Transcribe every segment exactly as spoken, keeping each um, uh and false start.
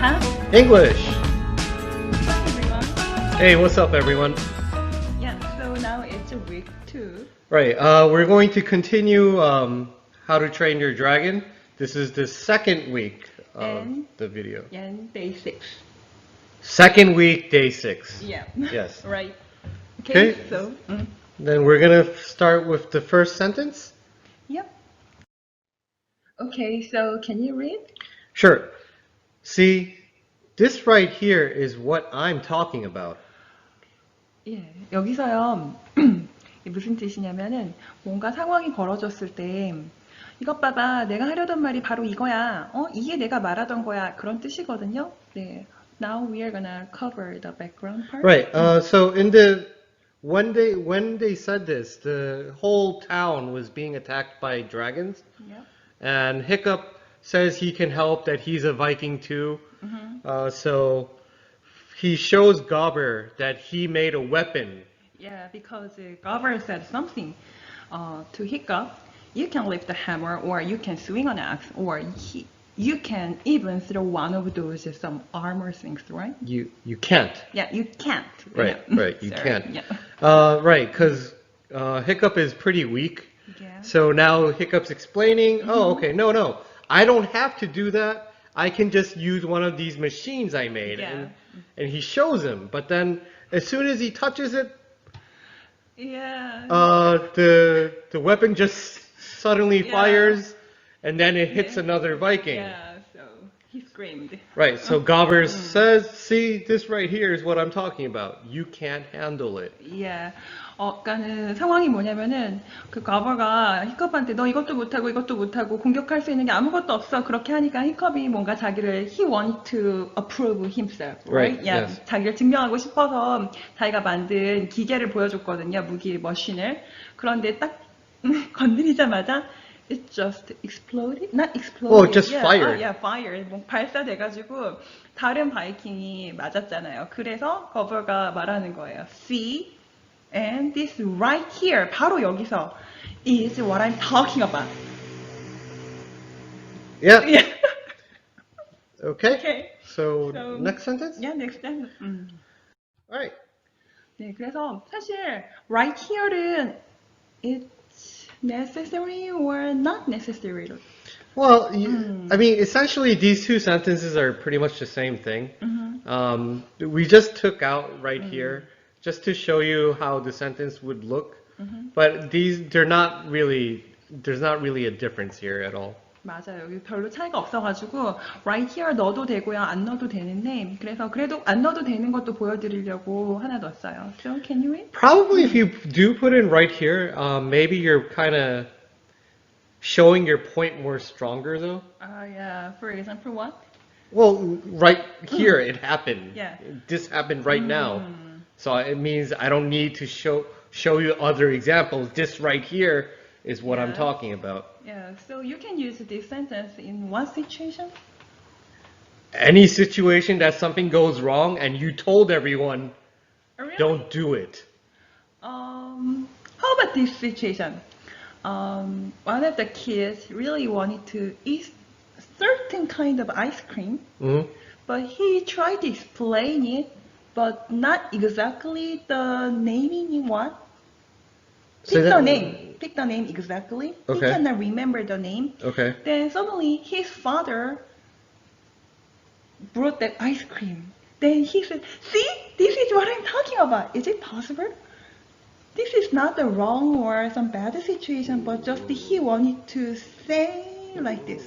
have English. everyone. Hey, what's up, everyone? Yeah, so now it's a week two. Right, uh, we're going to continue um, How to Train Your Dragon. This is the second week of And- the video. And day six. Second week, day six. Yeah. Yes. Right. Okay, Okay. so. mm, Then we're gonna start with the first sentence. Yep. Okay, so can you read? Sure. See, this right here is what I'm talking about. 예, 여기서요. 이게 무슨 뜻이냐면은 뭔가 상황이 벌어졌을 때 이것 봐봐, 내가 하려던 말이 바로 이거야. 어, 이게 내가 말하던 거야. 그런 뜻이거든요. 네. Now we are gonna cover the background part. Right. Uh, so in the when they when they said this, the whole town was being attacked by dragons, Yep. and Hiccup says he can help. That he's a Viking too. Mhm. Uh, so he shows Gobber that he made a weapon. Yeah, because uh, Gobber said something uh, to Hiccup. You can lift a hammer, or you can swing an axe, or he, you can even throw one of those uh, some armor things, right? You you can't. Yeah, you can't. Right. Yeah. Right. You Sorry. can't. Yeah. Uh, right. Because uh, Hiccup is pretty weak. Yeah. So now Hiccup's explaining, oh, okay, no, no, I don't have to do that. I can just use one of these machines I made. Yeah. And, and he shows him, but then as soon as he touches it, Yeah. uh, the the weapon just suddenly Yeah. fires, and then it hits Yeah. another Viking. Yeah. So he screamed. Right, so Gobber says, see, this right here is what I'm talking about. You can't handle it. Yeah. 어, 그러니까는 상황이 뭐냐면은 그 거버가 히컵한테 너 이것도 못하고 이것도 못하고 공격할 수 있는 게 아무것도 없어 그렇게 하니까 히컵이 뭔가 자기를 he wanted to approve himself, right? Right, Yeah, yes. 자기를 증명하고 싶어서 자기가 만든 기계를 보여줬거든요, 무기 머신을. 그런데 딱 건드리자마자 it just exploded, not exploded. Oh, just yeah, fired. 아, yeah, fired. 뭐 발사돼가지고 다른 바이킹이 맞았잖아요. 그래서 거버가 말하는 거예요. See? And this right here, 바로 여기서 is what I'm talking about. Yeah, Yeah. okay. Okay. So, So- next sentence? Yeah, next time. 음. Alright. 네, 그래서 사실 right here는 it's necessary or not necessary. Well, you, I mean, essentially, these two sentences are pretty much the same thing. Um, we just took out right here just to show you how the sentence would look. But these, they're not really, there's not really a difference here at all. 맞아요. 여기 별로 차이가 없어가지고 right here 넣어도 되고요, 안 넣어도 되는데 그래서 그래도 안 넣어도 되는 것도 보여드리려고 하나 넣었어요. So can you read? Probably if you do put in right here, um, maybe you're kind of showing your point more stronger though. Uh, yeah. For example, what? Well, right here it happened. Yeah. This happened right now. So it means I don't need to show show you other examples. This right here is what I'm Yeah. talking about. Yeah. So you can use this sentence in one situation. Any situation that something goes wrong and you told everyone, Oh, really? don't do it. Um, how about this situation? Um, one of the kids really wanted to eat certain kind of ice cream, Mhm. but he tried to explain it, but not exactly the naming in what? Say Pick the that- name. Pick the name exactly. Okay. He cannot remember the name. Okay. Then suddenly his father brought that ice cream. Then he said, see, this is what I'm talking about. Is it possible? This is not the wrong or some bad situation, but just he wanted to say like this.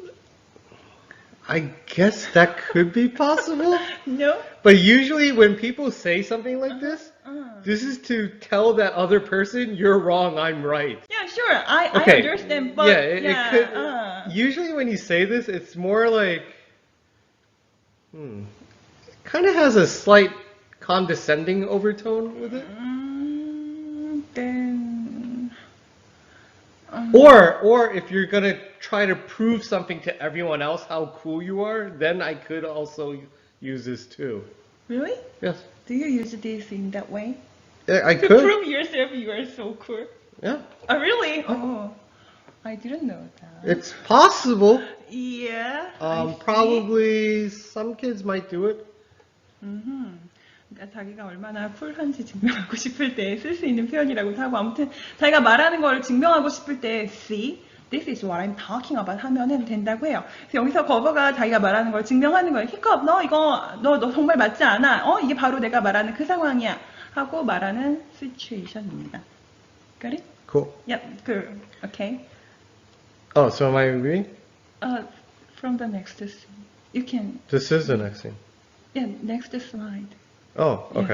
I guess that could be possible. No? But usually when people say something like this, Uh, this is to tell that other person, you're wrong, I'm right. yeah, sure. I, Okay. I understand, but yeah, it, yeah, it could. uh, Usually, when you say this, it's more like, hmm, kind of has a slight condescending overtone with it. mm, then. um, Or, or if you're gonna try to prove something to everyone else how cool you are, then I could also use this too. Really? Yes, Do you use this in that way? Yeah, I To could. prove yourself you are so cool. Yeah, Oh, really? Oh, I didn't know that. it's possible. Yeah. I Um, see. probably some kids might do it. 음흠. 그러니까 자기가 얼마나 쿨한지 증명하고 싶을 때 쓸 수 있는 표현이라고 하고 아무튼 자기가 말하는 걸 증명하고 싶을 때 see, this is what I'm talking about 하면은 된다고 해요. 그래서 여기서 거버가 자기가 말하는 걸 증명하는 거예요. 히컵, 너 이거 너, 너 정말 맞지 않아. 어 이게 바로 내가 말하는 그 상황이야. 하고 말하는 situation입니다. Got it? Cool. Yep. Good. Okay. Oh, so am I reading? Uh, from the next scene. You can. This is the next thing. Yeah. Next slide. Oh, okay.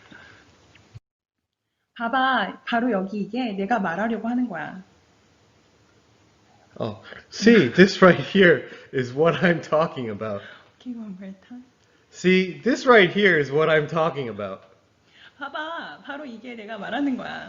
봐봐, 바로 여기 이게 내가 말하려고 하는 거야. Oh, see, this right here is what I'm talking about. Okay, one more time. See, this right here is what I'm talking about. 봐봐, 바로 이게 내가 말하는 거야.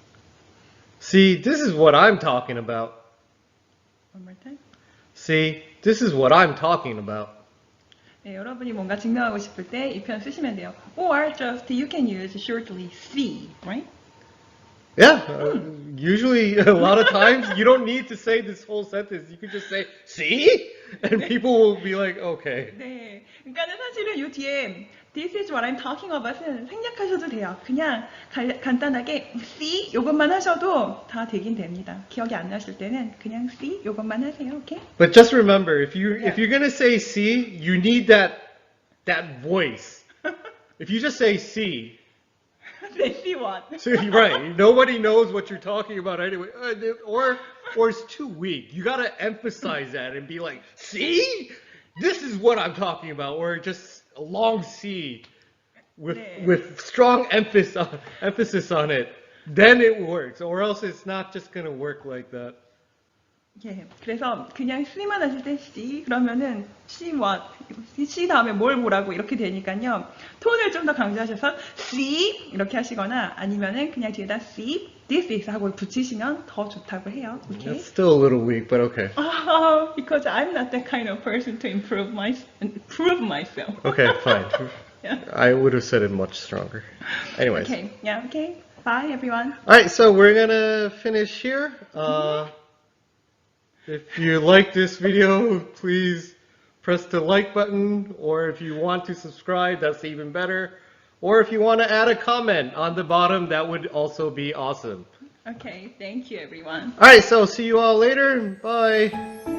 See, this is what I'm talking about. One more time. See, this is what I'm talking about. 네, 여러분이 뭔가 증명하고 싶을 때 이 표현 쓰시면 돼요. Or just you can use shortly see, right? Yeah, uh, usually a lot of times you don't need to say this whole sentence. You could just say, see? And people will be like, okay. 네, 그러니까는 사실은 이 뒤에 This is what I'm talking about은 생략하셔도 돼요. 그냥 갈- 간단하게 see 이것만 하셔도 다 되긴 됩니다. 기억이 안 나실 때는 그냥 see 이것만 하세요. 오케이? But just remember, if you Yeah. if you're gonna say see, you need that that voice. If you just say see, 네, see what? so you're right, nobody knows what you're talking about anyway. Uh, Or or it's too weak. You gotta emphasize that and be like, see, this is what I'm talking about. Or just a long C with 네. with strong emphasis on, emphasis on it. Then it works. Or else it's not just gonna work like that. 예, 그래서 그냥 C만 하실 때 C 그러면은 C what, C 다음에 뭘 뭐라고 이렇게 되니까요. 톤을 좀 더 강조하셔서 C 이렇게 하시거나 아니면은 그냥 뒤에다 C, this is 하고 붙이시면 더 좋다고 해요. 오케이? That's still a little weak, but okay. Oh, because I'm not that kind of person to improve my improve myself. Okay, fine. Yeah. I would have said it much stronger. Anyways. Okay, yeah, okay. Bye everyone. All right, so we're gonna finish here. Uh, if you like this video, please press the like button, or if you want to subscribe, that's even better. Or if you want to add a comment on the bottom, that would also be awesome. Okay, thank you everyone. All right, so see you all later. Bye.